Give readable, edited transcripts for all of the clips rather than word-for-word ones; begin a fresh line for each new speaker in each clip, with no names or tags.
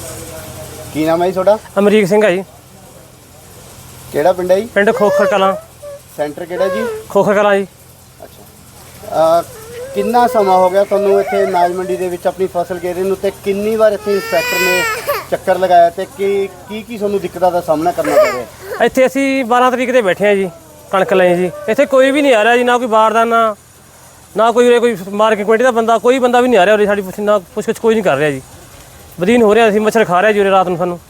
ਕੀ ਨਾਮ ਹੈ ਜੀ ਤੁਹਾਡਾ?
ਅਮਰੀਕ ਸਿੰਘ ਹੈ ਜੀ।
ਕਿਹੜਾ ਪਿੰਡ ਹੈ ਜੀ?
ਪਿੰਡ ਖੋਖਰ ਕਲਾਂ।
ਸੈਂਟਰ ਕਿਹੜਾ ਜੀ?
ਖੋਖਰ ਕਲਾਂ ਜੀ।
ਅੱਛਾ, ਕਿੰਨਾ ਸਮਾਂ ਹੋ ਗਿਆ ਤੁਹਾਨੂੰ ਇੱਥੇ ਅਨਾਜ ਮੰਡੀ ਦੇ ਵਿੱਚ ਆਪਣੀ ਫਸਲ ਗੇਰੇ ਨੂੰ, ਤੇ ਕਿੰਨੀ ਵਾਰ ਇੱਥੇ ਇੰਸਪੈਕਟਰ ਨੇ ਚੱਕਰ ਲਗਾਇਆ, ਤੇ ਕੀ ਤੁਹਾਨੂੰ ਦਿੱਕਤਾਂ ਦਾ ਸਾਹਮਣਾ ਕਰਨਾ ਪੈ ਰਿਹਾ?
ਇੱਥੇ ਅਸੀਂ 12 ਤਰੀਕ ਤੇ ਬੈਠੇ ਹਾਂ ਜੀ, ਕਣਕ ਲਈ ਜੀ। ਇੱਥੇ ਕੋਈ ਵੀ ਨਹੀਂ ਆ ਰਿਹਾ ਜੀ, ਨਾ ਕੋਈ ਬਾਰਦਾਨਾ, ਨਾ ਕੋਈ ਉਰੇ ਕੋਈ ਮਾਰਕੀਟ ਕਮੇਟੀ ਦਾ ਬੰਦਾ, ਕੋਈ ਬੰਦਾ ਵੀ ਨਹੀਂ ਆ ਰਿਹਾ ਉਰੇ। ਸਾਡੀ ਨਾ ਕੁਛ ਕੋਈ ਨਹੀਂ ਕਰ ਰਿਹਾ ਜੀ। ਬਦੀਨ ਹੋ ਰਿਹਾ, ਅਸੀਂ ਮੱਛਰ ਖਾ ਰਿਹਾ ਜੀ ਉਰੇ ਰਾਤ ਨੂੰ ਸਾਨੂੰ।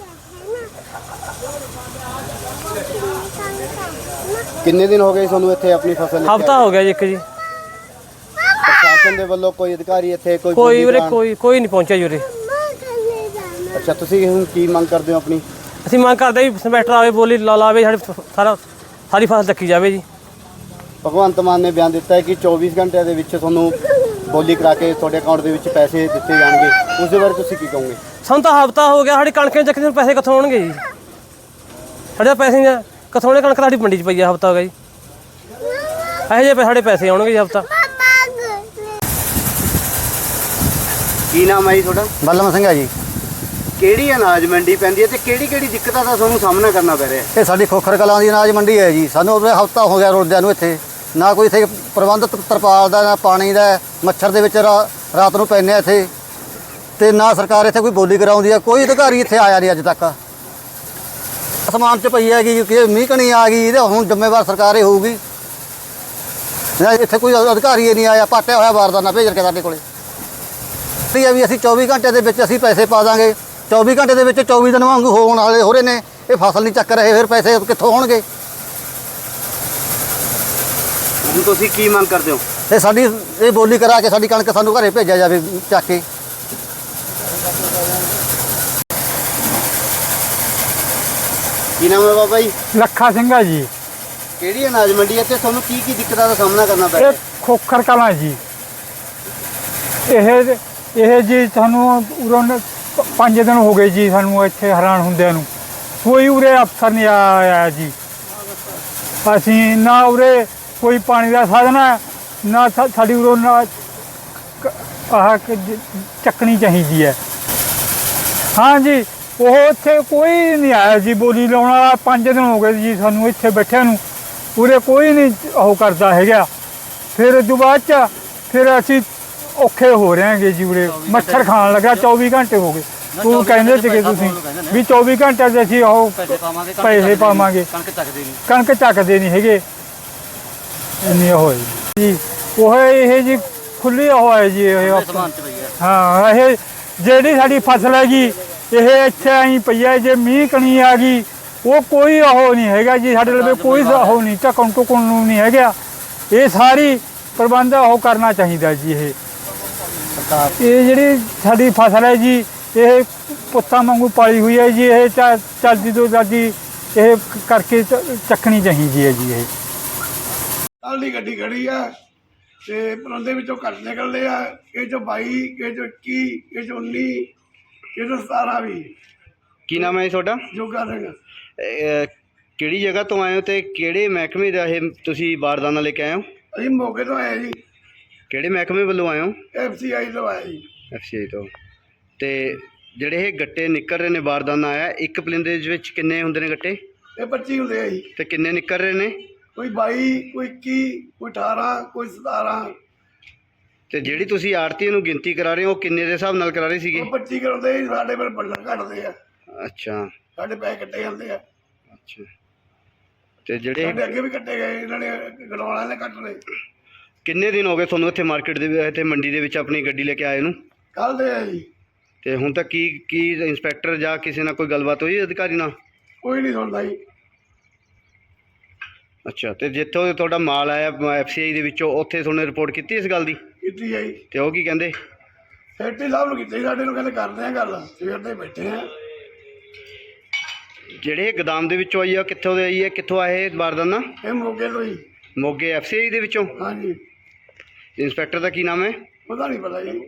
ਕਿੰਨੇ ਦਿਨ ਹੋ ਗਏ ਤੁਹਾਨੂੰ ਇੱਥੇ ਆਪਣੀ ਫਸਲ?
ਹਫ਼ਤਾ ਹੋ ਗਿਆ ਜੀ ਇੱਕ ਜੀ।
ਪ੍ਰਸ਼ਾਸਨ ਦੇ ਵੱਲੋਂ ਕੋਈ ਅਧਿਕਾਰੀ ਇੱਥੇ
ਕੋਈ ਉਰੇ ਕੋਈ ਨਹੀਂ ਪਹੁੰਚਿਆ ਜੀ ਉਰੇ।
ਅੱਛਾ, ਤੁਸੀਂ ਹੁਣ ਕੀ ਮੰਗ ਕਰਦੇ ਹੋ ਆਪਣੀ?
ਅਸੀਂ ਮੰਗ ਕਰਦੇ ਜੀ ਇੰਸਪੈਕਟਰ ਆਵੇ, ਬੋਲੀ ਲਾਵੇ, ਸਾਰੀ ਫਸਲ ਚੱਕੀ ਜਾਵੇ ਜੀ।
ਭਗਵੰਤ ਮਾਨ ਨੇ ਬਿਆਨ ਦਿੱਤਾ ਹੈ ਕਿ 24 ਘੰਟਿਆਂ ਦੇ ਵਿੱਚ ਤੁਹਾਨੂੰ ਬੋਲੀ ਕਰਾ ਕੇ ਤੁਹਾਡੇ ਅਕਾਊਂਟ ਦੇ ਵਿੱਚ ਪੈਸੇ ਦਿੱਤੇ ਜਾਣਗੇ। ਉਸ ਦੇ ਬਾਰੇ ਤੁਸੀਂ ਕੀ ਕਹੋਗੇ?
ਸਾਨੂੰ ਤਾਂ ਹਫ਼ਤਾ ਹੋ ਗਿਆ, ਸਾਡੀ ਕਣਕ ਚੱਕੀ ਨੂੰ ਪੈਸੇ ਕਿੱਥੋਂ ਆਉਣਗੇ ਜੀ? ਸਾਡੇ ਪੈਸੇ ਕਿੱਥੋਂ ਆਉਣੇ? ਕਣਕ ਸਾਡੀ ਮੰਡੀ 'ਚ ਪਈ ਆ, ਹਫ਼ਤਾ ਹੋ ਗਿਆ ਜੀ। ਇਹੋ ਜਿਹੇ ਸਾਡੇ ਪੈਸੇ ਆਉਣਗੇ ਜੀ ਹਫ਼ਤਾ।
ਕੀ ਨਾਮ ਹੈ ਜੀ ਤੁਹਾਡਾ?
ਬਲਮ ਸਿੰਘ ਹੈ ਜੀ।
ਕਿਹੜੀ ਅਨਾਜ ਮੰਡੀ ਪੈਂਦੀ ਹੈ, ਤੇ ਕਿਹੜੀ ਦਿੱਕਤਾਂ ਦਾ ਤੁਹਾਨੂੰ ਸਾਹਮਣਾ ਕਰਨਾ ਪੈ ਰਿਹਾ?
ਇਹ ਸਾਡੀ ਖੋਖਰ ਕਲਾਂ ਦੀ ਅਨਾਜ ਮੰਡੀ ਹੈ ਜੀ। ਸਾਨੂੰ ਹਫ਼ਤਾ ਹੋ ਗਿਆ ਰੁਲਦਿਆਂ ਨੂੰ। ਇੱਥੇ ਨਾ ਕੋਈ ਇੱਥੇ ਪ੍ਰਬੰਧ ਤਰਪਾਲ ਦਾ, ਨਾ ਪਾਣੀ ਦਾ। ਮੱਛਰ ਦੇ ਵਿੱਚ ਰਾਤ ਨੂੰ ਪੈਂਦੇ ਇੱਥੇ, ਤੇ ਨਾ ਸਰਕਾਰ ਇੱਥੇ ਕੋਈ ਬੋਲੀ ਕਰਾਉਂਦੀ ਹੈ। ਕੋਈ ਅਧਿਕਾਰੀ ਇੱਥੇ ਆਇਆ ਨਹੀਂ ਅੱਜ ਤੱਕ। ਅਸਮਾਨ 'ਚ ਪਈ ਹੈਗੀ ਕਿ ਮੀਂਹ ਕਣੀ ਆ ਗਈ, ਇਹਦੇ ਹੁਣ ਜ਼ਿੰਮੇਵਾਰ ਸਰਕਾਰ ਹੀ ਹੋਊਗੀ। ਇੱਥੇ ਕੋਈ ਅਧਿਕਾਰੀ ਨਹੀਂ ਆਇਆ। ਪਾਟਿਆ ਹੋਇਆ ਬਾਰਦਾਨਾ ਭੇਜ ਕੇ ਸਾਡੇ ਕੋਲੇ ਵੀ ਅਸੀਂ 24 ਘੰਟੇ ਦੇ ਵਿੱਚ ਅਸੀਂ ਪੈਸੇ ਪਾ ਦਾਂਗੇ। 24 ਘੰਟੇ ਦੇ ਵਿੱਚ 24 ਦਿਨ ਵਾਂਗੂ ਹੋਣ ਵਾਲੇ ਹੋ ਰਹੇ ਨੇ। ਇਹ ਫਸਲ ਨਹੀਂ ਚੱਕ ਰਹੇ, ਫਿਰ ਪੈਸੇ ਕਿੱਥੋਂ ਹੋਣਗੇ?
ਹੁਣ ਤੁਸੀਂ ਕੀ ਮੰਗ ਕਰਦੇ ਹੋ?
ਤੇ ਸਾਡੀ ਇਹ ਬੋਲੀ ਕਰਾ ਕੇ ਸਾਡੀ ਕਣਕ ਸਾਨੂੰ ਘਰੇ ਭੇਜਿਆ ਜਾਵੇ ਚੱਕ ਕੇ।
ਕੀ ਨਾਮ ਹੈ ਬਾਬਾ ਜੀ?
ਲੱਖਾ ਸਿੰਘ ਹੈ ਜੀ।
ਕਿਹੜੀ ਅਨਾਜ ਮੰਡੀ ਹੈ ਤੇ ਤੁਹਾਨੂੰ ਕੀ ਦਿੱਕਤਾਂ ਦਾ ਸਾਹਮਣਾ ਕਰਨਾ ਪੈ ਰਿਹਾ?
ਇਹ ਖੋਖਰ ਕਲਾਂ ਜੀ। ਇਹ ਜੀ ਸਾਨੂੰ ਉਰੋਂ 5 ਦਿਨ ਹੋ ਗਏ ਜੀ ਸਾਨੂੰ ਇੱਥੇ ਹੈਰਾਨ ਹੁੰਦਿਆਂ ਨੂੰ। ਕੋਈ ਉਰੇ ਅਫਸਰ ਨਹੀਂ ਆਇਆ ਜੀ। ਅਸੀਂ ਨਾ ਉਰੇ ਕੋਈ ਪਾਣੀ ਦਾ ਸਾਧਨ ਹੈ, ਨਾ ਸਾਡੀ ਉਰੋਂ ਨਾ ਚੱਕਣੀ ਚਾਹੀਦੀ ਹੈ। ਹਾਂ ਜੀ, ਉਹ ਇੱਥੇ ਕੋਈ ਨਹੀਂ ਆਇਆ ਜੀ ਬੋਲੀ ਲਾਉਣ ਵਾਲਾ। 5 ਦਿਨ ਹੋ ਗਏ ਜੀ ਸਾਨੂੰ ਇੱਥੇ ਬੈਠਿਆਂ ਨੂੰ। ਉਰੇ ਕੋਈ ਨਹੀਂ ਉਹ ਕਰਦਾ ਹੈਗਾ। ਫਿਰ ਉਦੋਂ ਬਾਅਦ 'ਚ ਫਿਰ ਅਸੀਂ ਔਖੇ ਹੋ ਰਹੇ ਹੈਗੇ ਜੀ। ਉਰੇ ਮੱਛਰ ਖਾਣ ਲੱਗਾ। 24 ਘੰਟੇ ਹੋ ਗਏ। ਤੂੰ ਕਹਿੰਦੇ ਸੀਗੇ ਤੁਸੀਂ ਵੀ 24 ਘੰਟੇ 'ਚ ਅਸੀਂ ਉਹ ਪੈਸੇ ਪਾਵਾਂਗੇ। ਕਣਕ ਚੱਕਦੇ ਨਹੀਂ ਹੈਗੇ। ਇੰਨੀ ਉਹ ਹੈ ਜੀ। ਉਹ ਇਹ ਜੀ ਖੁੱਲ੍ਹੀ ਉਹ ਹੈ ਜੀ। ਹਾਂ, ਇਹ ਜਿਹੜੀ ਸਾਡੀ ਫਸਲ ਹੈ ਜੀ, ਇਹ ਇੱਥੇ ਆਈ ਪਈ ਹੈ। ਜੇ ਮੀਂਹ ਕਣੀ ਆ ਗਈ, ਉਹ ਕੋਈ ਉਹ ਨਹੀਂ ਹੈਗਾ ਜੀ। ਸਾਡੇ ਲਈ ਕੋਈ ਉਹ ਨਹੀਂ, ਢੱਕਣ ਢੁੱਕਣ ਨੂੰ ਨਹੀਂ ਹੈਗਾ। ਇਹ ਸਾਰੀ ਪ੍ਰਬੰਧ ਉਹ ਕਰਨਾ ਚਾਹੀਦਾ ਜੀ। ਇਹ ਜਿਹੜੀ ਸਾਡੀ ਫਸਲ ਹੈ ਜੀ, ਇਹ ਪੁੱਤਾਂ ਵਾਂਗੂ ਪਾਲੀ ਹੋਈ ਹੈ ਜੀ। ਇਹ ਚੱਲਦੀ ਤੋਂ ਚੱਲਦੀ ਇਹ ਕਰਕੇ ਚੱਕਣੀ ਚਾਹੀਦੀ ਹੈ ਜੀ। ਇਹ
ਕੱਲ੍ਹ ਦੀ ਗੱਡੀ ਖੜੀ ਆ, ਤੇ ਪਰਾਂਦੇ ਵਿੱਚੋਂ ਘੱਟ ਨਿਕਲਦੇ ਆ। ਇਹ 'ਚੋਂ 22, ਇਹ 'ਚੋਂ 21, ਇਹ 'ਚੋਂ 19, ਇਹ 'ਚੋਂ 17 ਵੀ।
ਕੀ ਨਾਮ ਹੈ ਜੀ ਤੁਹਾਡਾ?
ਜੋਗਾ ਸਿੰਘ।
ਕਿਹੜੀ ਜਗ੍ਹਾ ਤੋਂ ਆਏ ਹੋ ਤੇ ਕਿਹੜੇ ਮਹਿਕਮੇ ਦਾ ਇਹ ਤੁਸੀਂ ਬਾਰਦਾਨਾ ਲੈ ਕੇ ਆਏ ਹੋ?
ਅਸੀਂ ਮੋਗੇ ਤੋਂ ਆਏ ਜੀ।
ਕਿਹੜੇ ਮਹਿਕਮੇ ਵੱਲੋਂ ਆਏ ਹੋ?
FCI ਤੋਂ ਆਏ ਜੀ।
FCI ਤੋਂ। ਤੇ ਜਿਹੜੇ ਇਹ ਗੱਟੇ ਨਿਕਲ ਰਹੇ ਨੇ, ਬਾਰਦਾਨਾ ਆਇਆ, ਇੱਕ ਪਲਿੰਦੇ ਦੇ ਵਿੱਚ ਕਿੰਨੇ ਹੁੰਦੇ ਨੇ ਗੱਟੇ?
ਇਹ 25 ਹੁੰਦੇ ਆ ਜੀ।
ਤੇ ਕਿੰਨੇ ਨਿਕਲ ਰਹੇ ਨੇ?
ਕੋਈ 22, ਕੋਈ 21, ਕੋਈ 18, ਕੋਈ 17।
ਤੇ ਜਿਹੜੀ ਤੁਸੀਂ ਆੜਤੀ ਨੂੰ ਗਿਣਤੀ ਕਰਾ ਰਹੇ ਹੋ, ਉਹ ਕਿੰਨੇ ਦੇ ਹਿਸਾਬ ਨਾਲ ਕਰਾ ਰਹੇ ਸੀਗੇ?
ਉਹ 25 ਕਰਾਉਂਦੇ ਜੀ। ਸਾਡੇ ਪਰ ਬੰਡਲ ਘੱਟਦੇ ਆ।
ਅੱਛਾ,
ਸਾਡੇ ਪੈਸੇ ਕੱਟੇ ਜਾਂਦੇ ਆ।
ਅੱਛਾ। ਤੇ ਜਿਹੜੇ
ਸਾਡੇ ਅੱਗੇ ਵੀ ਕੱਟੇ ਗਏ, ਇਹਨਾਂ ਨੇ ਗੜਵਾਲਾਂ ਨੇ ਕੱਟ ਲਏ।
ਕਿੰਨੇ ਦਿਨ ਹੋ ਗਏ ਤੁਹਾਨੂੰ ਇੱਥੇ ਮਾਰਕੀਟ ਦੇ ਇੱਥੇ ਮੰਡੀ ਦੇ ਵਿੱਚ ਆਪਣੀ ਗੱਡੀ ਲੈ ਕੇ ਆਏ ਨੂੰ?
ਕੱਲ੍ਹ ਦੇ ਆ ਜੀ।
ਤੇ ਹੁਣ ਤੱਕ ਕੀ ਇੰਸਪੈਕਟਰ ਜਾਂ ਕਿਸੇ ਨਾਲ ਕੋਈ ਗੱਲਬਾਤ ਹੋਈ ਅਧਿਕਾਰੀ ਨਾਲ?
ਕੋਈ ਨਹੀਂ ਸੁਣਦਾ ਜੀ।
ਅੱਛਾ। ਤੇ ਜਿੱਥੋਂ ਤੁਹਾਡਾ ਮਾਲ ਆਇਆ FCI ਦੇ ਵਿੱਚੋਂ, ਉੱਥੇ ਤੁਹਾਨੂੰ ਰਿਪੋਰਟ ਕੀਤੀ ਇਸ ਗੱਲ ਦੀ?
ਕੀਤੀ ਆ ਜੀ।
ਤੇ ਉਹ ਕੀ ਕਹਿੰਦੇ?
ਸੈਕਟਰੀ ਸਾਹਿਬ ਨੂੰ ਕੀਤੀ ਸਾਡੇ ਨੂੰ, ਕਹਿੰਦੇ ਕਰਦੇ ਆ ਗੱਲ। ਸਵੇਰ ਦੇ ਬੈਠੇ ਆ।
ਜਿਹੜੇ ਗੋਦਾਮ ਦੇ ਵਿੱਚੋਂ ਆਈ ਆ, ਕਿੱਥੋਂ ਦੇ ਆਈ ਹੈ? ਕਿੱਥੋਂ ਆਏ ਬਾਰਦਾਨਾ?
ਇਹ ਮੋਗੇ ਤੋਂ ਜੀ।
ਮੋਗੇ FCI ਦੇ ਵਿੱਚੋਂ?
ਹਾਂਜੀ।
ਇੰਸਪੈਕਟਰ ਦਾ ਕੀ ਨਾਮ ਹੈ?
ਪਤਾ ਨਹੀਂ ਪਤਾ ਜੀ।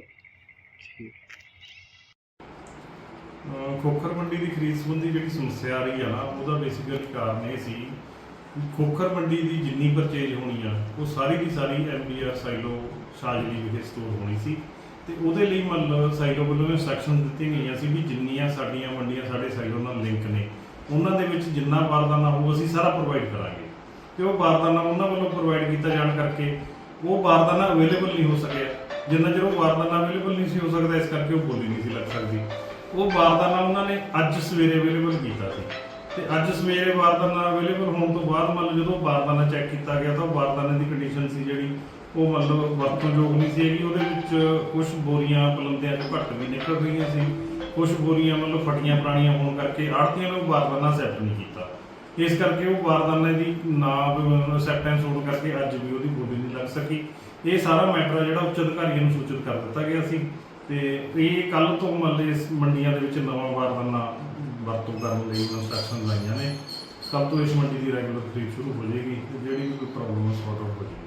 ਖੋਖਰ ਮੰਡੀ ਦੀ ਖਰੀਦ ਸੰਬੰਧੀ ਜਿਹੜੀ ਸਮੱਸਿਆ ਆ ਰਹੀ ਆ ਨਾ, ਉਹਦਾ ਬੇਸਿਕਲੀ ਕਾਰਨ ਇਹ ਸੀ ਖੋਖਰ ਮੰਡੀ ਦੀ ਜਿੰਨੀ ਪਰਚੇਜ ਹੋਣੀ ਆ, ਉਹ ਸਾਰੀ ਦੀ ਸਾਰੀ MBR ਸਾਈਲੋ ਸ਼ਾਜਲੀ ਵਿਖੇ ਸਟੋਰ ਹੋਣੀ ਸੀ। ਤੇ ਉਹਦੇ ਲਈ ਮਤਲਬ ਸਾਈਲੋ ਵੱਲੋਂ ਇੰਸਟਰਕਸ਼ਨ ਦਿੱਤੀਆਂ ਗਈਆਂ ਸੀ ਵੀ ਜਿੰਨੀਆਂ ਸਾਡੀਆਂ ਮੰਡੀਆਂ ਸਾਡੇ ਸਾਈਲੋ ਨਾਲ ਲਿੰਕ ਨੇ ਉਹਨਾਂ ਦੇ ਵਿੱਚ ਜਿੰਨਾ ਬਾਰਦਾਨਾ ਹੋਊ ਅਸੀਂ ਸਾਰਾ ਪ੍ਰੋਵਾਈਡ ਕਰਾਂਗੇ। ਤੇ ਉਹ ਬਾਰਦਾਨਾ ਉਹਨਾਂ ਵੱਲੋਂ ਪ੍ਰੋਵਾਈਡ ਕੀਤਾ ਜਾਣ ਕਰਕੇ ਉਹ ਬਾਰਦਾਨਾ ਅਵੇਲੇਬਲ ਨਹੀਂ ਹੋ ਸਕਿਆ। ਜਿੰਨਾ ਚਿਰ ਉਹ ਬਾਰਦਾਨਾ ਅਵੇਲੇਬਲ ਨਹੀਂ ਸੀ ਹੋ ਸਕਦਾ, ਇਸ ਕਰਕੇ ਉਹ ਬੋਲੀ ਨਹੀਂ ਸੀ ਲੱਗ ਸਕਦੀ। ਉਹ ਬਾਰਦਾਨਾ ਉਹਨਾਂ ਨੇ ਅੱਜ ਸਵੇਰੇ ਅਵੇਲੇਬਲ ਕੀਤਾ ਸੀ ਤੇ ਅੱਜ ਸਵੇਰੇ ਬਾਰਦਾਨਾ ਅਵੇਲੇਬਲ ਹੋਣ ਤੋਂ ਬਾਅਦ ਮਤਲਬ ਜਦੋਂ ਬਾਰਦਾਨਾ ਚੈੱਕ ਕੀਤਾ ਗਿਆ ਤਾਂ ਉਹ ਬਾਰਦਾਨੇ ਦੀ ਕੰਡੀਸ਼ਨ ਸੀ ਜਿਹੜੀ ਉਹ ਮਤਲਬ ਵਰਤੋਂਯੋਗ ਨਹੀਂ ਸੀ ਹੈਗੀ। ਉਹਦੇ ਵਿੱਚ ਕੁਝ ਬੋਰੀਆਂ ਪਲੰਦਿਆਂ ਤੋਂ ਘੱਟ ਵੀ ਨਿਕਲ ਰਹੀਆਂ ਸੀ, ਕੁਝ ਬੋਰੀਆਂ ਮਤਲਬ ਫਟੀਆਂ ਪੁਰਾਣੀਆਂ ਹੋਣ ਕਰਕੇ ਆੜ੍ਹਤੀਆਂ ਨੇ ਉਹ ਬਾਰਦਾਨਾ ਅਸੈਪਟ ਨਹੀਂ ਕੀਤਾ। ਇਸ ਕਰਕੇ ਉਹ ਬਾਰਦਾਨੇ ਦੀ ਨਾ ਅਸੈਪਟੈਂਸ ਹੋਣ ਕਰਕੇ ਅੱਜ ਵੀ ਉਹਦੀ ਬੋਲੀ ਨਹੀਂ ਲੱਗ ਸਕੀ। ਇਹ ਸਾਰਾ ਮੈਟਰ ਜਿਹੜਾ ਉੱਚ ਅਧਿਕਾਰੀਆਂ ਨੂੰ ਸੂਚਿਤ ਕਰ ਦਿੱਤਾ ਗਿਆ ਸੀ ਤੇ ਇਹ ਕੱਲ ਤੋਂ ਮਤਲਬ ਇਸ ਮੰਡੀਆਂ ਦੇ ਵਿੱਚ ਨਵਾਂ ਬਾਰਦਾਨਾ ਵਰਤੋਂ ਕਰਨ ਲਈ ਇੰਸਟਰਕਸ਼ਨ ਲਾਈਆਂ ਨੇ। ਕੱਲ ਤੋਂ ਇਸ ਮੰਡੀ ਦੀ ਰੈਗੂਲਰ ਖਰੀਦ ਸ਼ੁਰੂ ਹੋ ਜਾਏਗੀ ਤੇ ਜਿਹੜੀ ਵੀ ਕੋਈ ਪ੍ਰੋਬਲਮ ਸੌਟ ਆਊਟ ਹੋ ਜਾਏਗੀ।